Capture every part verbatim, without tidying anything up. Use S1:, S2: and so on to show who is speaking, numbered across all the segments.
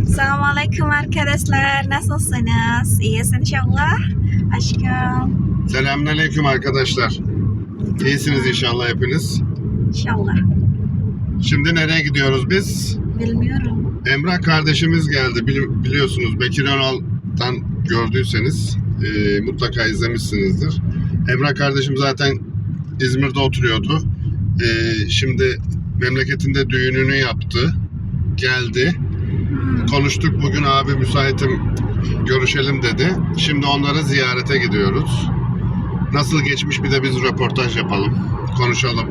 S1: Assalamualaikum arkadaşlar. Nasılsınız? İyiyiz inşallah. Aşkım.
S2: Selamünaleyküm arkadaşlar. İyisiniz inşallah hepiniz.
S1: İnşallah.
S2: Şimdi nereye gidiyoruz biz?
S1: Bilmiyorum.
S2: Emrah kardeşimiz geldi. Bili- biliyorsunuz Bekir Önal'dan gördüyseniz e, mutlaka izlemişsinizdir. Emrah kardeşim zaten İzmir'de oturuyordu. E, şimdi memleketinde düğününü yaptı. Geldi.
S1: Hmm.
S2: Konuştuk, bugün abi müsaitim, görüşelim dedi. Şimdi onları ziyarete gidiyoruz. Nasıl geçmiş bir de biz röportaj yapalım. Konuşalım.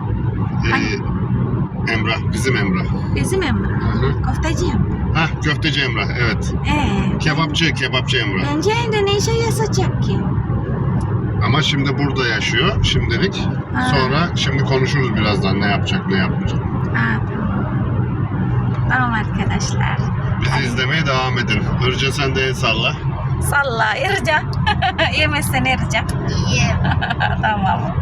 S2: Ee, Emrah, bizim Emrah.
S1: Bizim Emrah.
S2: Hı-hı.
S1: Köfteciyim.
S2: Hah, köfteci Emrah, evet.
S1: Ee,
S2: Kebapçı, kebapçı Emrah.
S1: bence Indonesia sıcak ki.
S2: Ama şimdi burada yaşıyor şimdilik.
S1: Ha.
S2: Sonra şimdi konuşuruz birazdan ne yapacak, ne yapmayacak.
S1: Ha, tamam. Tamam arkadaşlar.
S2: Bizi izlemeye devam edin. Irca sen de el salla.
S1: Salla Irca. İyi misin Irca? İyiyim. Tamam.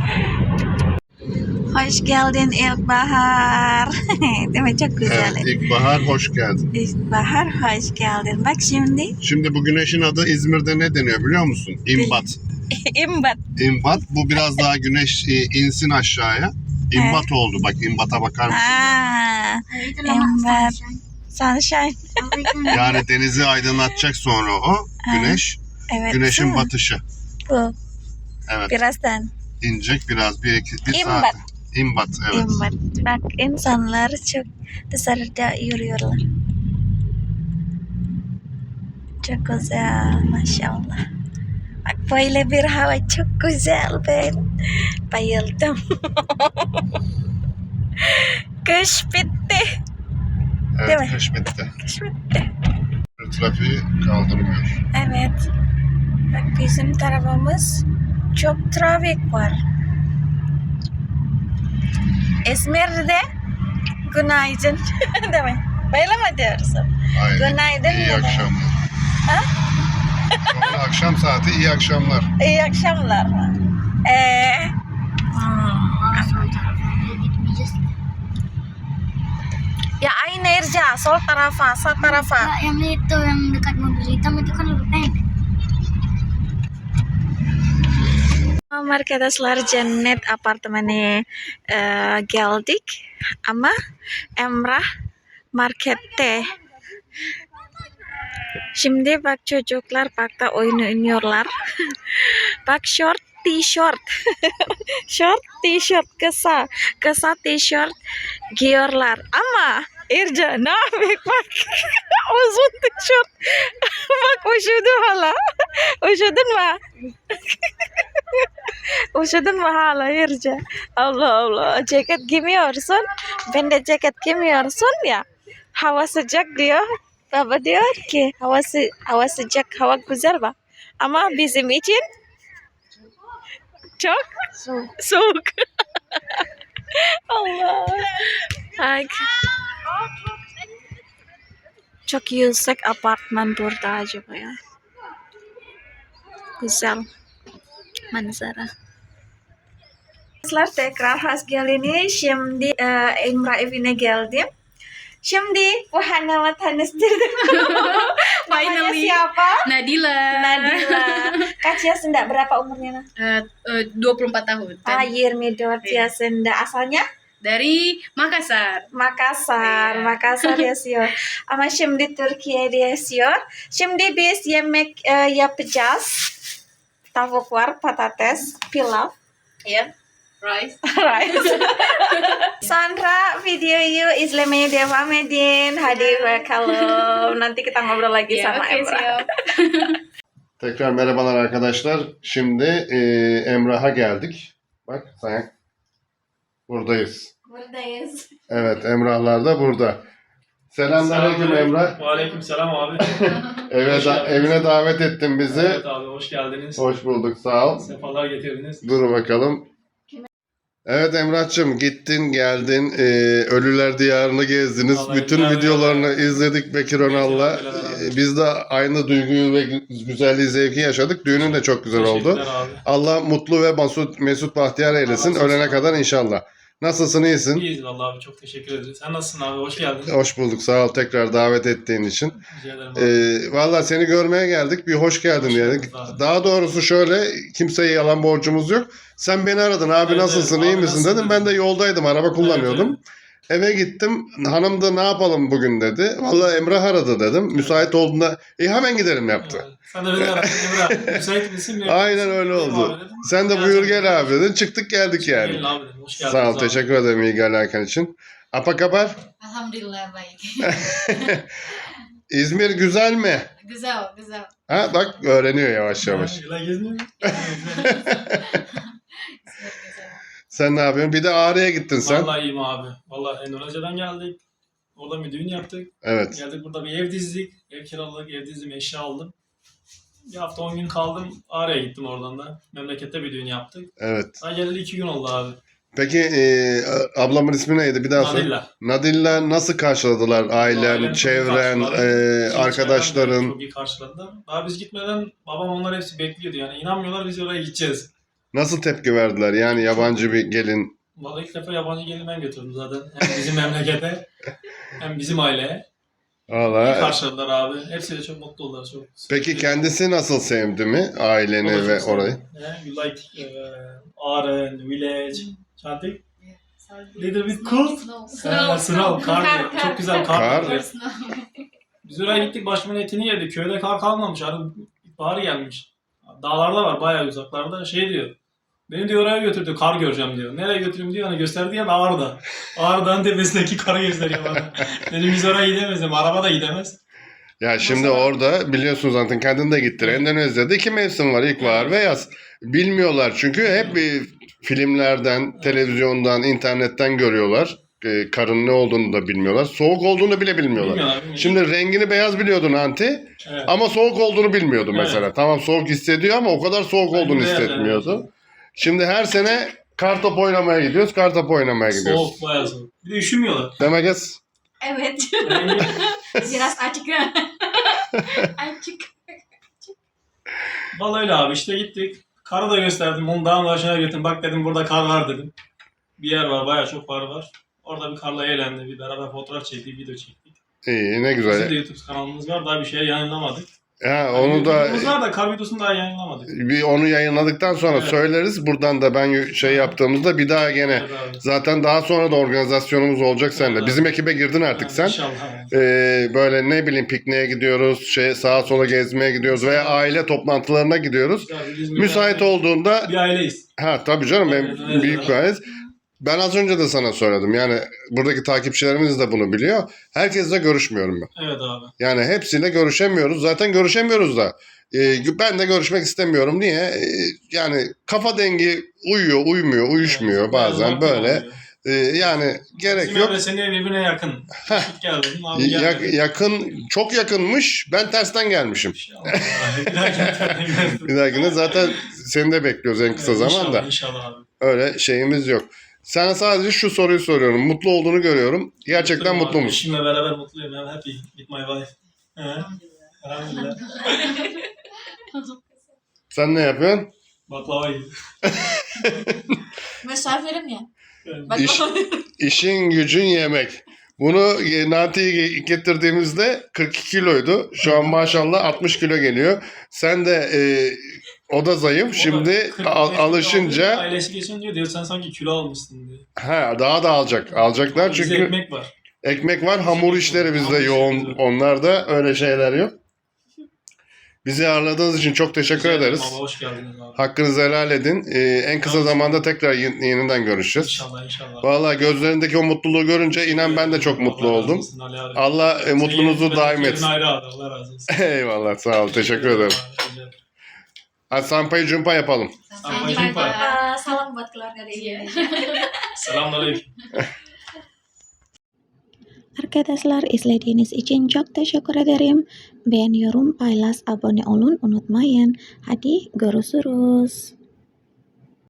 S1: Hoş geldin İlkbahar. Değil mi? Çok güzel.
S2: Evet, İlkbahar hoş geldin.
S1: İlkbahar hoş geldin. Bak şimdi.
S2: Şimdi bu güneşin adı İzmir'de ne deniyor biliyor musun? İmbat.
S1: İmbat.
S2: İmbat. Bu biraz daha güneş e, insin aşağıya. İmbat oldu. Bak imbata bakar mısın?
S1: Aa, İmbat. Sunshine.
S2: Yani denizi aydınlatacak sonra o güneş.
S1: Evet.
S2: Güneşin
S1: değil mi?
S2: batışı.
S1: Bu.
S2: Evet.
S1: Birazdan.
S2: İnecek biraz. Bir, iki, bir
S1: İmbat.
S2: saat. İmbat. Evet.
S1: İmbat. Bak insanlar çok dışarıda yürüyorlar. Çok güzel. Maşallah. Bak böyle bir hava çok güzel. Ben bayıldım. Kış bitti. Değil mi?
S2: Evet. Kış bitti.
S1: Kış bitti.
S2: Trafiği kaldırmıyor.
S1: Evet. Bak bizim tarafımız çok trafik var. İzmir'de günaydın. Değil mi? Böyle mi diyorsun?
S2: Aynen.
S1: Günaydın
S2: İyi
S1: demek.
S2: akşamlar.
S1: Ha?
S2: Sonra akşam saati iyi akşamlar.
S1: İyi akşamlar mı? Ee, ya aynı Irja, sol tarafa, sağ tarafa.
S3: Kak, yang itu yang dekat mobil hitam itu kan lebih pendek.
S1: Tamam arkadaşlar, cennet apartmanı e, geldik ama Emrah markette. Şimdi bak çocuklar parkta oyun oynuyorlar. Bak short t-shirt. Short t-shirt kısa. Kısa t-shirt giyiyorlar ama Irca ne yapayım bak. Uzun t-shirt. Bak üşüdü hala. Üşüdün mü? Üşüdün mü hala Irca? Allah Allah. Ceket giymiyorsun. Ben de ceket giymiyorsun ya. Hava sıcak diyor. Baba diyor ki hava, sı hava sıcak, hava güzel bak. Ama bizim için çok
S3: So,
S1: soğuk. Allah. Bak. Çok yüksek apartman burada acaba ya. Güzel manzara. Arkadaşlar tekrar hoş geldiniz. Şimdi e, Emrah evine geldim. Şimdi bu Hana tanıştırdım. Namanya
S4: Finally.
S1: siapa?
S4: Nadila.
S1: Nadila. Kak Ciasenda berapa umurnya? Nah?
S4: Eh, eh, dua puluh empat tahun.
S1: Ah,
S4: Dan
S1: yirmi dört Ciasenda. Asalnya
S4: dari Makassar.
S1: Makassar.
S4: Iya.
S1: Makassar yaşıyor. Ama şimdi Türkiye'de yaşıyor. Şimdi biz yemek e, yapacağız. Tavuk var, patates, pilav.
S4: Ya. Rice.
S1: Rice. Sandra, videoyu izlemeye devam edin. Hadi bakalım. Nanti kita ngobrol lagi
S4: Ya,
S1: sama
S4: oke,
S1: Emrah.
S4: siap.
S2: Tekrar merhabalar arkadaşlar. Şimdi e, Emrah'a geldik. Bak sen buradayız.
S1: Buradayız.
S2: Evet, Emrahlar da burada. Selamünaleyküm Emrah.
S5: Aleykümselam abi.
S2: Eve
S5: Hoş
S2: da,
S5: geldiniz.
S2: evine davet ettin bizi.
S5: Evet abi hoş geldiniz.
S2: Hoş bulduk, sağ ol.
S5: Sefalar getirdiniz.
S2: Dur bakalım. Evet Emrah'cığım, gittin geldin, ee, Ölüler Diyarı'nı gezdiniz.
S5: Vallahi
S2: Bütün
S5: güzel,
S2: videolarını izledik Bekir Önal'la.
S5: Teşekkürler abi.
S2: Ee, Biz de aynı duyguyu ve güzelliği, zevki yaşadık. Düğünün de çok güzel oldu.
S5: Teşekkürler abi.
S2: Allah mutlu ve mesut, mesut bahtiyar eylesin.
S5: Allah razı olsun.
S2: Ölene kadar inşallah. Nasılsın, iyisin?
S5: İyiyiz vallahi abi, çok teşekkür ederiz. Sen nasılsın abi? Hoş geldin.
S2: Hoş bulduk, sağ ol tekrar davet ettiğin için.
S5: Rica ederim abi.
S2: Ee, Valla seni görmeye geldik, bir hoş geldin
S5: Hoş
S2: diyedik.
S5: bulduk abi.
S2: Daha doğrusu şöyle, kimseye yalan borcumuz yok. Sen beni aradın, abi
S5: Evet,
S2: nasılsın,
S5: evet,
S2: iyi
S5: abi
S2: misin
S5: nasılsın
S2: dedim. Ben de
S5: dedim.
S2: yoldaydım, araba kullanıyordum.
S5: Evet,
S2: Eve gittim, hanım da ne yapalım bugün dedi. Valla Emrah aradı dedim. Müsait olduğunda, iyi hemen gidelim yaptı.
S5: evet. Sen de beni aradın Emrah. Müsait misin? mi?
S2: Aynen öyle
S5: Benim
S2: oldu.
S5: abi dedim.
S2: Sen de
S5: Ya
S2: buyur
S5: sen-
S2: gel abi dedin. Çıktık geldik yani.
S5: Gelin abi dedim. Hoş geldiniz
S2: Sağ ol,
S5: abi.
S2: teşekkür ederim ilgi alakan için. Apa kabar?
S4: Alhamdulillah baik.
S2: İzmir güzel mi?
S4: Güzel, güzel.
S2: Ha bak öğreniyor yavaş yavaş.
S5: Yıla gezmiyor mu?
S2: Sen ne yapıyorsun? Bir de Ağrı'ya gittin sen.
S5: Vallahi iyiyim abi. Vallahi Endonezya'dan geldik. Orada bir düğün yaptık.
S2: Evet.
S5: Geldik burada bir ev dizdik. Ev kiraladık, ev dizdim, eşya aldım. Bir hafta on gün kaldım. Ağrı'ya gittim oradan da. Memlekette bir düğün yaptık.
S2: Evet.
S5: Daha geleli iki gün oldu abi.
S2: Peki e, ablamın ismi neydi? Bir daha söyle.
S5: Nadilla.
S2: Nadilla nasıl karşıladılar? Ailen,
S5: Ailem çok iyi
S2: çevren,
S5: karşıladı.
S2: e,
S5: Çevrem de
S2: arkadaşların.
S5: Çok iyi karşıladılar. Daha biz gitmeden babam onlar hepsi bekliyordu. Yani inanmıyorlar biz oraya gideceğiz.
S2: Nasıl tepki verdiler? Yani yabancı bir gelin.
S5: Vallahi ilk defa yabancı gelin ben götürdüm zaten. Hem bizim memlekete hem bizim aileye. İyi
S2: Valla.
S5: karşıladılar abi. Hepsi de çok mutlu oldular. Çok
S2: Peki kendisi nasıl sevdi mi? Aileni
S5: O da
S2: ve
S5: çok
S2: orayı.
S5: sevdim. Yeah, you like uh, Ağrı, village, something? Little bit cold. Snow, snow, kar. diyor. Çok güzel kar.
S2: Kar.
S5: diyor. Biz oraya gittik, başımın etini yedik. Köyde kar kalmamış. Arı bahar gelmiş. Dağlarda var, bayağı uzaklarda. Şey diyor. Beni diyor oraya götürdü, kar göreceğim diyor. Nereye götüreyim diyor. Hani gösterdi ya da Ağrı'da. Ağrı'dan tepesindeki karı gösteriyor bana. Dedim biz oraya gidemez. Araba da gidemez.
S2: Ya şimdi
S5: Nasıl?
S2: orada biliyorsun zaten kendin de gittin. Endonezya'da iki mevsim var. İlkbahar ve yaz. Bilmiyorlar çünkü hep bir filmlerden, televizyondan, internetten görüyorlar. E, karın ne olduğunu da bilmiyorlar. Soğuk olduğunu bile bilmiyorlar.
S5: Bilmiyorlar, bilmiyorlar.
S2: Şimdi rengini beyaz biliyordun Anti.
S5: Evet.
S2: Ama soğuk olduğunu bilmiyordu
S5: Evet.
S2: mesela. Tamam soğuk hissediyor ama o kadar soğuk
S5: Ben
S2: olduğunu
S5: de beyaz,
S2: hissetmiyordu. Şimdi her sene kartop oynamaya gidiyoruz. Kartop oynamaya gidiyoruz.
S5: Soğuk, bayağı soğuk. Bir de üşümüyorlar.
S2: Demek es
S3: Evet.
S5: Yani
S3: Biraz açık ya. Açık.
S5: vallahi öyle abi, işte gittik. Karı da gösterdim. Onu dağın başına götürdüm. Bak dedim burada kar var dedim. Bir yer var, bayağı çok kar var. Orada bir karla eğlendi. Bir beraber fotoğraf çektik, video çektik.
S2: iyi, ne
S5: Bizim
S2: güzel.
S5: de YouTube kanalımız var. Daha bir şey yayınlamadık.
S2: Ha, onu da
S5: YouTube'umuz var da kar videosunu daha yayınlamadık.
S2: bir onu yayınladıktan sonra
S5: Evet.
S2: söyleriz. Buradan da ben şey yaptığımızda bir daha gene
S5: Evet abi.
S2: zaten daha sonra da organizasyonumuz olacak seninle.
S5: Evet.
S2: Bizim ekibe girdin artık
S5: Yani
S2: sen.
S5: İnşallah.
S2: Ee, böyle ne bileyim pikniğe gidiyoruz, şey sağa sola gezmeye gidiyoruz veya aile toplantılarına gidiyoruz.
S5: Güzel, biz İzmir'de
S2: Müsait olduğunda
S5: bir aileyiz.
S2: ha tabii canım
S5: Evet,
S2: benim
S5: evet,
S2: büyük
S5: evet.
S2: bir aileyiz. Ben az önce de sana söyledim. Yani buradaki takipçilerimiz de bunu biliyor. Herkesle görüşmüyorum ben.
S5: Evet abi.
S2: Yani hepsiyle görüşemiyoruz. Zaten görüşemiyoruz da. Ee, ben de görüşmek istemiyorum. Niye? Ee, yani kafa dengi uyuyor, uymuyor, uyuşmuyor
S5: Evet,
S2: bazen
S5: biraz
S2: böyle.
S5: vaktim oluyor.
S2: Ee, yani gerek
S5: Bizim
S2: yok.
S5: evle senin ev birbirine yakın. Git gel dedim. Abi gel
S2: Ya-
S5: dedim.
S2: yakın, çok yakınmış. Ben tersten gelmişim.
S5: İnşallah. Bir daha gel.
S2: Bir dahakine zaten seni de bekliyoruz en kısa
S5: Evet,
S2: zamanda.
S5: İnşallah, inşallah abi.
S2: Öyle şeyimiz yok. Sana sadece şu soruyu soruyorum. Mutlu olduğunu görüyorum. Gerçekten
S5: Mutluyum
S2: mutlu
S5: abi.
S2: musun?
S5: Eşimle beraber mutluyum. I'm happy with my wife. He. Elhamdülillah.
S2: Sen ne yapıyorsun?
S5: Baklava yiyor.
S3: Misafirim ya.
S2: İş, işin gücün yemek. Bunu e, Nati'yi getirdiğimizde kırk iki kiloydu. Şu an maşallah altmış kilo geliyor. Sen de e, o da zayıf.
S5: O da
S2: Şimdi
S5: kırk
S2: al-
S5: beş kilo
S2: alışınca
S5: alıyor. Ailesi geçen diyor, diyor sen sanki kilo almışsın diyor.
S2: ha, daha da alacak. Alacaklar
S5: Bizde
S2: çünkü
S5: ekmek var.
S2: ekmek var. Hamur
S5: Ekmek
S2: işleri
S5: var.
S2: bizde
S5: Hamur
S2: yoğun.
S5: işleri var.
S2: Onlarda öyle şeyler yok. Bizi ağırladığınız için çok teşekkür
S5: Rica ederim
S2: ederiz.
S5: Baba, hoş geldiniz abi.
S2: Hakkınızı helal edin. Ee, en kısa
S5: Tamam.
S2: zamanda tekrar ye- yeniden görüşeceğiz.
S5: İnşallah inşallah.
S2: Vallahi gözlerindeki o mutluluğu görünce inan ben de çok mutlu
S5: Allah razı
S2: oldum.
S5: olsun Ali abi.
S2: Allah e, mutluluğunuzu
S5: Senin
S2: daim
S5: yerin
S2: etsin.
S5: ayrı abi. Allah razı olsun.
S2: Eyvallah sağ ol. Teşekkür ederim.
S5: Rica ederim.
S2: Hadi Sampai Jumpa yapalım.
S5: Sampai jumpa.
S3: Uh, salam buat keluarga dari Indonesia.
S5: Selamünaleyküm.
S1: Arkadaşlar izlediğiniz için çok teşekkür ederim. Beğeniyorum, paylaş, abone olun unutmayın. Hadi görüşürüz.